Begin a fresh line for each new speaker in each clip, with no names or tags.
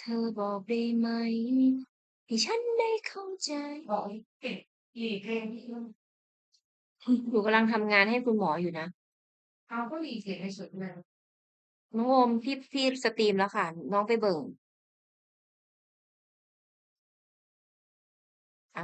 เธอบอกได้ไหมให้ฉันได้เข้าใจหนูกำลังทำงานให้คุณหมออยู่นะ
เขาก็มีเสียงในสุดเลย
น้องโอมพี่สตรีมแล้วค่ะ น้องไปเบิ่งอ่า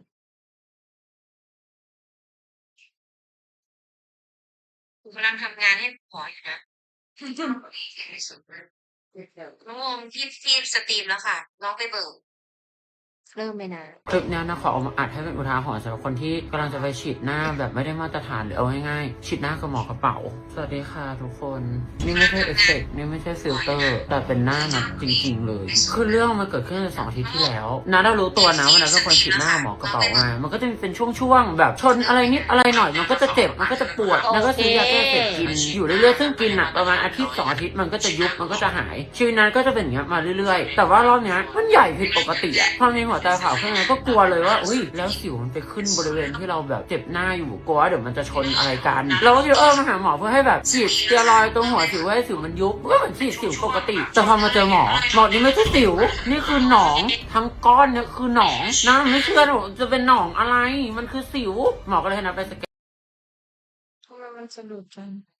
หนูกำลังทำงานให้คุณหมออยู่นะ
เขาก็มีเสียงในสุดเลย
น้องโอมพี่สตรีมแล้วค่ะ น้องไปเบิ่งเริ่มเลยนะ
คลิปนี้นะขอเอามาอัดให้เป็นอุทาหรณ์สำหรับคนที่กำลังจะไปฉีดหน้าแบบไม่ได้มาตรฐานหรือเอาง่ายๆฉีดหน้ากับหมอกระเป๋าสวัสดีค่ะทุกคนนี่ไม่ใช่เอฟเฟกต์นี่ไม่ใช่ฟิลเตอร์แต่เป็นหน้านัดจริงๆเลยคือเรื่องมันเกิดขึ้นใน2 อาทิตย์ที่แล้วนะเรารู้ตัวนะว่านะเป็นคนฉีดหน้าหมอกระเป๋ามามันก็จะมีเป็นช่วงๆแบบชนอะไรนิดอะไรหน่อยมันก็จะเจ็บมันก็จะปวดแล้วก็ซื้อยาแก้เจ็บกินอยู่เรื่อยๆซึ่งกินอ่ะประมาณ1 อาทิตย์ 2 อาทิตย์มันก็จะยุบมันก็จะหายชีวิตนั้นก็จะเป็นอย่างเงี้ยมาเรื่อยๆแต่ว่ารอบเนี้ยมันใหญ่ผิดปกติอ่ะพอมีหัวใจขาวขึ้นมาก็กลัวเลยว่าอุ้ยแล้วสิวมันไปขึ้นบริเวณที่เราแบบเจ็บหน้าอยู่กลัวเดี๋ยวมันจะชนอะไรกันเราก็คิดมาหาหมอเพื่อให้แบบฉีดสเตียรอยด์ตรงหัวสิวให้สิวมันยุบก็เหมือนฉีดสิวปกติแต่พอมาเจอหมอนี่ไม่ใช่สิวนี่คือหนองทั้งก้อนเนี่ยคือหนองนะไม่เชื่อหนูจะเป็นหนองอะไรมันคือสิวหมอก็เลยให้นัดไปสแกน
ทำไมมันสะดุดจัง